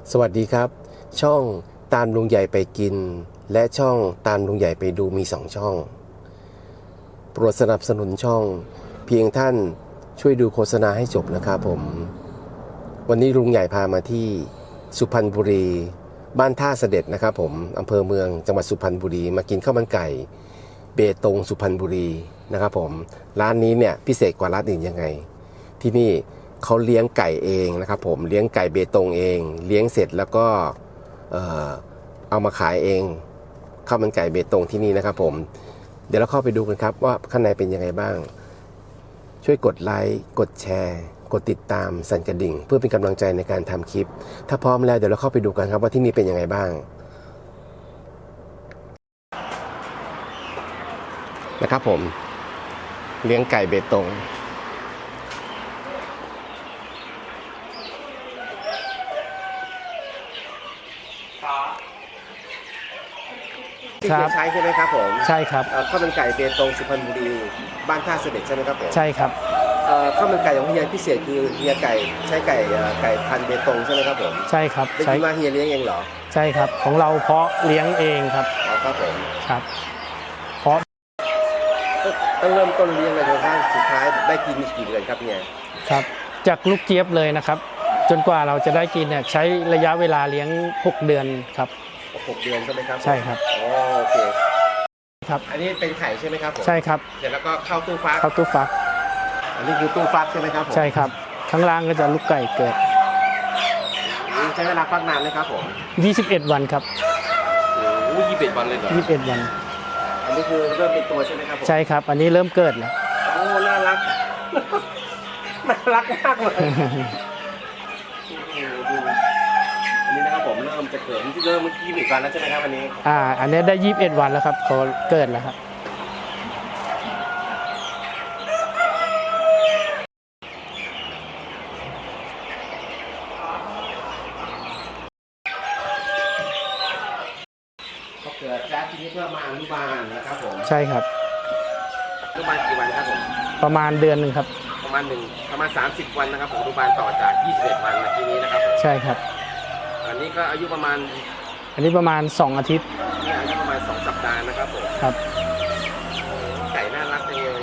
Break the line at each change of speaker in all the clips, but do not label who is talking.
สวัสดีครับช่องตามลุงใหญ่ไปกินและช่องตามลุงใหญ่ไปดูมี2ช่องโปรดสนับสนุนช่องเพียงท่านช่วยดูโฆษณาให้จบนะครับผมวันนี้ลุงใหญ่พามาที่สุพรรณบุรีบ้านท่าเสด็จนะครับผมอำเภอเมืองจังหวัดสุพรรณบุรีมากินข้าวมันไก่เบตงสุพรรณบุรีนะครับผมร้านนี้เนี่ยพิเศษกว่าร้านอื่นยังไงที่นี่เขาเลี้ยงไก่เองนะครับผมเลี้ยงไก่เบตงเองเลี้ยงเสร็จแล้วก็เอามาขายเองข้าวมันไก่เบตงที่นี่นะครับผมเดี๋ยวเราเข้าไปดูกันครับว่าข้างในเป็นยังไงบ้างช่วยกดไลค์กดแชร์กดติดตามสั่นกระดิ่งเพื่อเป็นกำลังใจในการทำคลิปถ้าพร้อมแล้วเดี๋ยวเราเข้าไปดูกันครับว่าที่นี่เป็นยังไงบ้างนะครับผมเลี้ยงไก่เบตงที่ใช้ใช่ไหมครับผม
ใช่ครับ
ข้าวมันไก่เบตงสุพรรณบุรีบ้านท่าเสด็จใช่ไหมครับผม
ใช่ครับ
ข้าวมันไก่ของเฮียพิเศษคือเฮียไก่ใช้ไก่พันธุ์เบตงใช่ไหมครับผม
ใช่ครับ
ได้ยินว่าเฮียเลี้ยงเองเหรอ
ใช่ครับของเราเพาะเลี้ยงเองครับ
ครับผม
ครับเพาะ
ต้องเริ่มต้นเลี้ยงเลยจนกระทั่งสุดท้ายได้กินกี่เดือนครับเนี่ย
ครับจากลูกเจี๊ยบเลยนะครับจนกว่าเราจะได้กินเนี่ยใช้ระยะเวลาเลี้ยง6เดือนครับ
6 เดือนใช่ไหมครับ
ใช่ครับ
โอเค
ครับ
อันนี้เป็นไข่ใช่ไหมครับผม
ใช่ครับ
เสร็จแล้วก็เข้าตู้ฟักอันนี้คือตู้ฟักใช่ไหมครับผม
ใช่ครับข้างล่างก็จะลูกไก่เกิด
ใช้เวลาฟักนานไหมครับผม
21 วันครับ
โอ้21 วันเลยเหรอ
21 วัน
อันนี้คือเริ่มเป็นตัวใช่ไหมครับผม
ใช่ครับอันนี้เริ่มเกิดแล้ว
โอ้น่ารักน่ารักมากเลยอันนี้นะครับผมเริ่มจะเกิดที่เริ่มเมื่อกี้21 วันแล้วใช่ไหมครับวันนี้
อันนี้ได้21 วันแล้วครับเขาเกิดแล้วครับ
เขาเกิดแล้วทีนี้เพื่อมาอนุบาลนะครับผม
ใช่ครับ
อนุบาลกี่วันครับผม
ประมาณเดือนหนึ่งครับ
ประมาณ30 วันนะครับผมอนุบาลต่อจาก21 วันเมื่อกี้นี้นะครับ
ใช่ครับ
อันนี้ก็อายุประมาณ
2 อาทิตย์
นี่อายุประมาณ2 สัปดาห์นะครับผม
ครับ
ไก่น่ารักจังเลย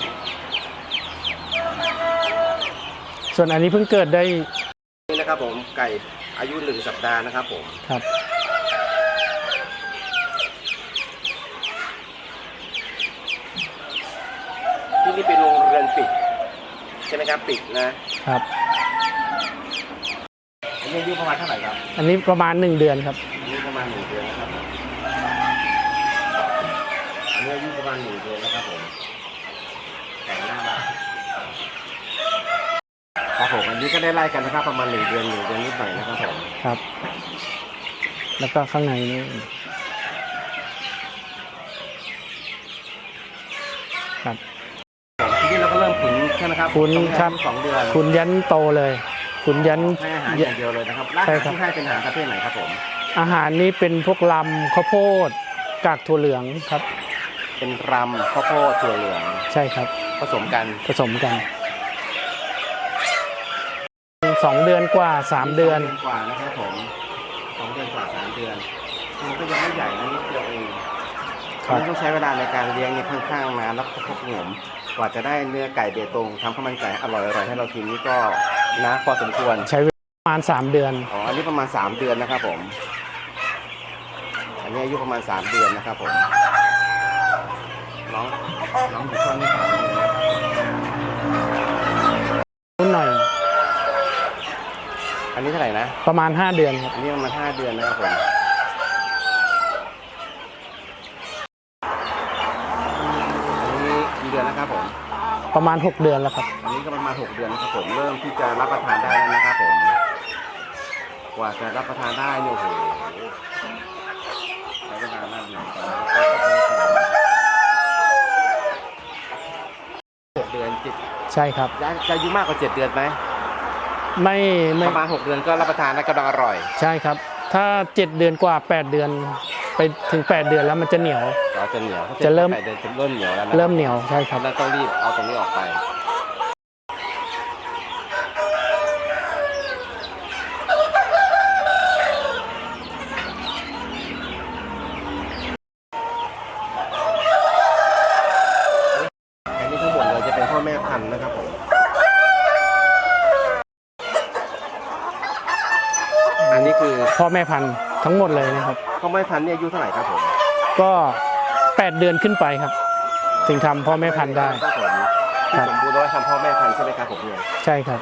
ส่วนอันนี้เพิ่งเกิดได้
นี่นะครับผมไก่อายุ1 สัปดาห์นะครับผม
ครับ
ที่นี่เป็นโรงเรือนปิดใช่ไหมครับปิดนะครับอันนี้อายุประมาณเท่าไหร่ครับ
อันนี้ประมาณ1 เดือนครับ
อันนี้ประมาณ1 เดือนนะครับอันนี้อายุประมาณ1 เดือนนะครับผมแต่งหน้าบ้านครับผมอันนี้ก็ได้ไล่กันนะครับประมาณ1 เดือนนิดหน่อยนะครับผม
ครับแล้วก็ข้างในนี่ครับ
ทีนี้เราก็เริ่มขุนใช่ไหมครับ
ขุนครับ
2 เดือน
ขุนยันโตเลยขุนยัน
ให้อาหารอย่างเดียวเลยนะครับอาหารที่ให้เป็นอาหารประเภทไหนครับผม
อาหารนี้เป็นพวกลำข้าวโพดกากถั่วเหลืองครับ
เป็นรำข้าวโพดถั่วเหลือง
ใช่ครับ
ผสมกัน
2 เดือนกว่า3 เดือน
กว่านะครับผม2 เดือนกว่า3 เดือนมันก็ยังไม่ใหญ่นะนิดเดียวเองต้องใช้เวลาในการเลี้ยงนี่ค่อนข้างนานแล้วก็พกหงมกว่าจะได้เนื้อไก่เบตงทำข้าวมันไก่อร่อยให้เรากินนี่ก็นะพอสมควร
ใช้เวลาประมาณ3 เดือน
อันนี้ประมาณ3 เดือนนะครับผมอันนี้อายุประมาณ3 เดือนนะครับผมน้องอยู่ช่วงนี้3 เดือน
นิดหน่อย
อันนี้เท่าไหร่นะ
ประมาณ5 เดือนครับ
อันนี้ประมาณ5 เดือนนะครับผมเดือนนะครับผม
ประมาณ6 เดือนแล้วครับ
อันนี้ก็ประมาณ6 เดือนนะครับผมเริ่มที่จะรับประทานได้แล้วนะครับผมกว่าจะรับประทานได้เนี่ยโอ้โหใช้เวลานานอยู่6 เดือน
ใช่ครับ
จะอายุมากกว่า7 เดือนไหม
ไม่
ประมาณ6 เดือนก็รับประทานได้กำลังอร่อย
ใช่ครับถ้า7 เดือนกว่า8 เดือนไปถึง8 เดือนแล้วมันจะเหนียวจะเริ่ม
เหนียวแล้วนะ
เริ่มเหนียวใช่ครับ
แล้วต้องรีบเอาตรงนี้ออกไป อ
พ่อแม่พันธุ์ทั้งหมดเลยนะครับ
พ่อแม่พันธุ์เนี่ยอายุเท่าไหร่ครับผม
ก็8 เดือนขึ้นไปครับ ถึงทำพ่อแม่พันธุ์ได้
ครับผมที่สมบูรณ์แล้วทำพ่อแม่พันธุ์ใช่ไหมครับผมเนี่ย
ใช่ครับ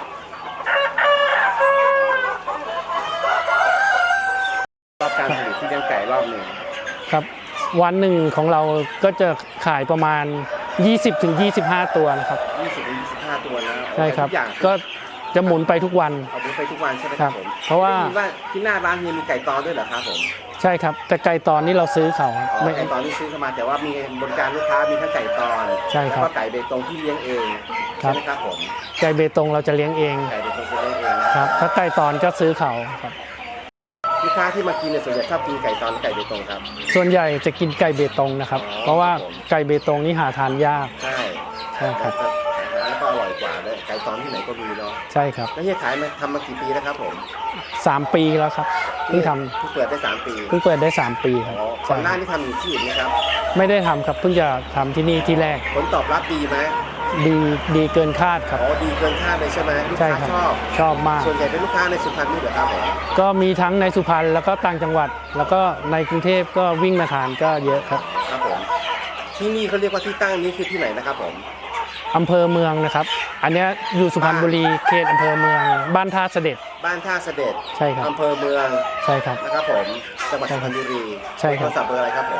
รอบการผลิตที่เลี้ยงไก่รอบหนึ่ง
ครับวันหนึ่งของเราก็จะขายประมาณ 20-25 ตัวนะครับ
20-25 ตัวนะ
ใช่ครับ
ทุกอย่าง
ก็จะหมุนไปทุกวัน
เอาไปทุกวันใช่ไหม
ค
ค
รั
รั
บบ
ผม
เพราะว่า
ได้ยินว่าที่หน้าร้านมีไก่ตอนด้วยเหรอครับผม
ใช่ครับแต่ไก่ตอนนี้เราซื้อเขาครับ
อ๋อ
ไม่
ไก่ตอนที่ซื้อเข้ามาแต่ว่ามีบริการลูกค้ามีทั้งไก่ตอน
ใช่ครับ
แล้วก็ไก่เบตงที่เลี้ยงเอง
ครั
ใช่
บ
ไหมครับผม
ไก่เบตงเราจะเลี้ยงเอง
ไก่เบตงที่เลี้ยงเองนะครับ
ถ้าไก่ตอนก็ซื้อเขาครับ
ลูกค้าที่มากินเนี่ยส่วนใหญ่ชอบกินไก่ตอนหรือไก่เบตงครับ
ส่วนใหญ่จะกินไก่เบตงนะครับ
อ๋อ
เพราะว่า
ครับผม
ไก่เบตงนี่หาทานยาก
ใช่
ใช่ครับ
แล้วก็อร่อยกว่าด้วยไก่ตอนที่ไหนก็มีเนาะ
ใช่ครับ
แล้วเฮียขายมาทำมากี่ปีแล้วครับผม
3 ปีแล้วครับเพิ่งท
เพิ่งเปิดได้3 ปี
ำเพิ่งเปิดได้ 3 ปีครับ
อ๋อก่
ใช่
อนหน้านี้ทำอยู่ที่อื่นไหมครับ
ไม่ได้ทำครับเพิ่งจะทำที่นี่ที่แรก
ผลตอบรับดีไหม
ดีเกินคาดครับ
อ๋อดีเกินคาดเลยใช่ไหมลูก
ใช่
ค้า
ครับ
ชอบ
ชอบมาก
ส่วนใหญ่เป็นลูกค้าในสุพรรณนี่เหรอครับผม
ก็มีทั้งในสุพรรณแล้วก็ต่างจังหวัด แล้วก็ในกรุงเทพก็วิ่งมาทานก็เยอะครับ
ครับผมที่นี่เขาเรียกว่าที่ตั้งนี้คือที่ไหนนะครับผม
อำเภอเมืองนะครับ อันเนี้ยอยู่สุพรรณบุรีเขตอำเภอเมือง บ้านท่าเสด็จ
บ้านท่าเสด็จ
ใช่ครับ
อำเภอเมือง
ใช่ครับ
นะครับผมจังหวัดสุพรรณบุรี
ใช่ครับ
โทรศัพท์เบอร์อะไรครับผม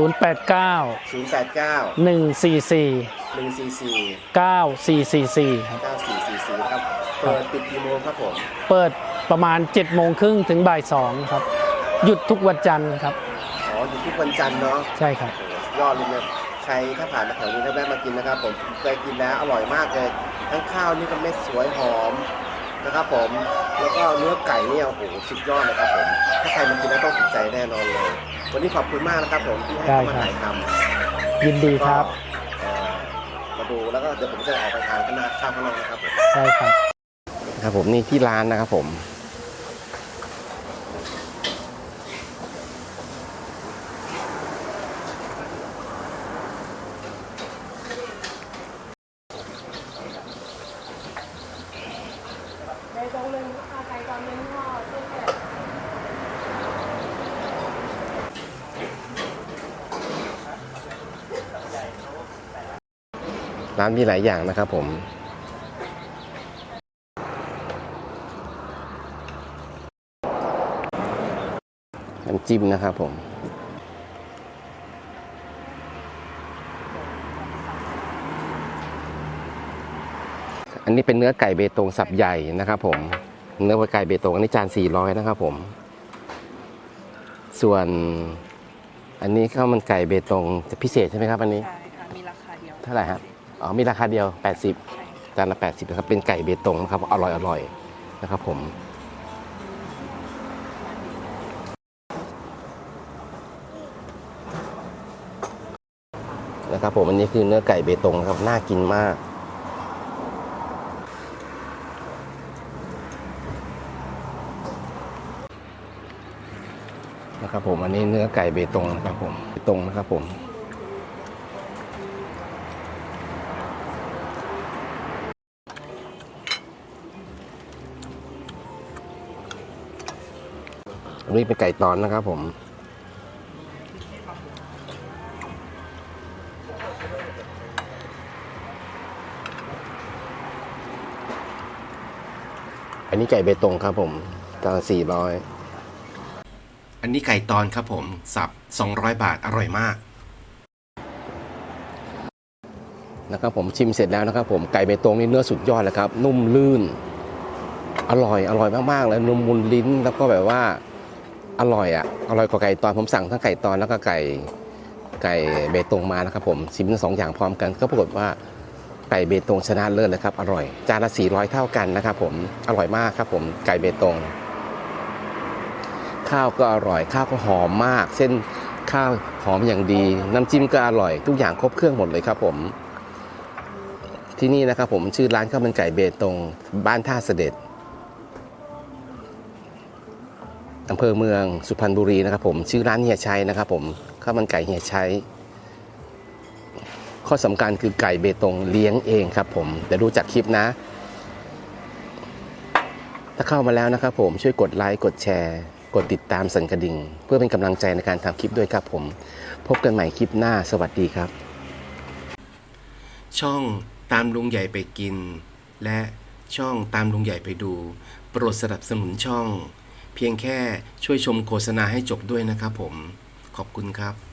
089
089
144
144
9444ครับ
9444นะครับเปิดปิดกี่โมงครับผม
เปิดประมาณ7 โมงครึ่งถึงบ่าย2ครับ หยุดทุกวันจันทร์ครับ
อ๋ออยู่ทุกวันจันทร์เนาะ
ใช่ครับ
โอ้โหยอดเลยเนี่ยใครถ้าผ่านมาแถวนี้ถ้าแวะมากินนะครับผมเคยกินแล้วอร่อยมากเลยทั้งข้าวนี่ก็เม็ดสวยหอมนะครับผมแล้วก็เนื้อไก่เนี่ยโอ้โหสุดยอดเลยครับผมถ้าใครมากินแล้วต้องติดใจแน่นอนเลย วันนี้ขอบคุณมากนะครับผมที่ให้เข้ามาถ่ายทำ
ยินดีครับ
มาดูแล้วก็เดี๋ยวผมจะออกไปทานข้างหน้าข้าวข้างนอกนะครับผม
ใช่ครับ
ครับผมนี่ที่ร้านนะครับผมร้านมีหลายอย่างนะครับผมน้ำจิ้มนะครับผมอันนี้เป็นเนื้อไก่เบตงสับใหญ่นะครับผมเนื้อไก่เบตงอันนี้จาน400นะครับผมส่วนอันนี้ข้าวมันไก่เบตงจะพิเศษใช่ไหมครับอันนี้
ใช่ค่ะ มีราคาเดียว
เท่าไหร่ครับอ๋อมีราคาเดียว80จานละ80นะครับเป็นไก่เบตงนะครับอร่อยนะครับผมนะครับผมอันนี้คือเนื้อไก่เบตงนะครับน่ากินมากนะครับผมอันนี้เนื้อไก่เบตงนะครับผมเบตงนะครับผมอันนี้เป็นไก่ตอนนะครับผมอันนี้ไก่เบตงครับผมจาน400อันนี้ไก่ตอนครับผมสับ200 บาทอร่อยมากนะครับผมชิมเสร็จแล้วนะครับผมไก่เบตงนี่เนื้อสุดยอดเลยครับนุ่มลื่นอร่อยมากๆเลยนุ่มมุนลิ้นแล้วก็แบบว่าอร่อยกว่าไก่ตอนผมสั่งทั้งไก่ตอนแล้วก็ไก่เบตงมานะครับผมชิมทั้ง2 อย่างพร้อมกันก็ปรากฏว่าไก่เบตงชนะเลิศเลยครับอร่อยจานละ400เท่ากันนะครับผมอร่อยมากครับผมไก่เบตงข้าวก็อร่อยข้าวก็หอมมากเส้นข้าวหอมอย่างดีน้ำจิ้มก็อร่อยทุกอย่างครบเครื่องหมดเลยครับผมที่นี่นะครับผมชื่อร้านข้าวมันไก่เบตงบ้านท่าเสด็จอำเภอเมืองสุพรรณบุรีนะครับผมชื่อร้านเฮียชัยนะครับผมข้าวมันไก่เฮียชัยข้อสำคัญคือไก่เบตงเลี้ยงเองครับผมเดี๋ยวดูจากคลิปนะ ถ้าเข้ามาแล้วนะครับผมช่วยกดไลค์กดแชร์กดติดตามสั่นกระดิ่ง เพื่อเป็นกำลังใจในการทำคลิปด้วยครับผมพบกันใหม่คลิปหน้าสวัสดีครับ ช่องตามลุงใหญ่ไปกิน และช่องตามลุงใหญ่ไปดู โปรดสนับสนุนช่อง เพียงแค่ช่วยชมโฆษณาให้จบด้วยนะครับผมขอบคุณครับ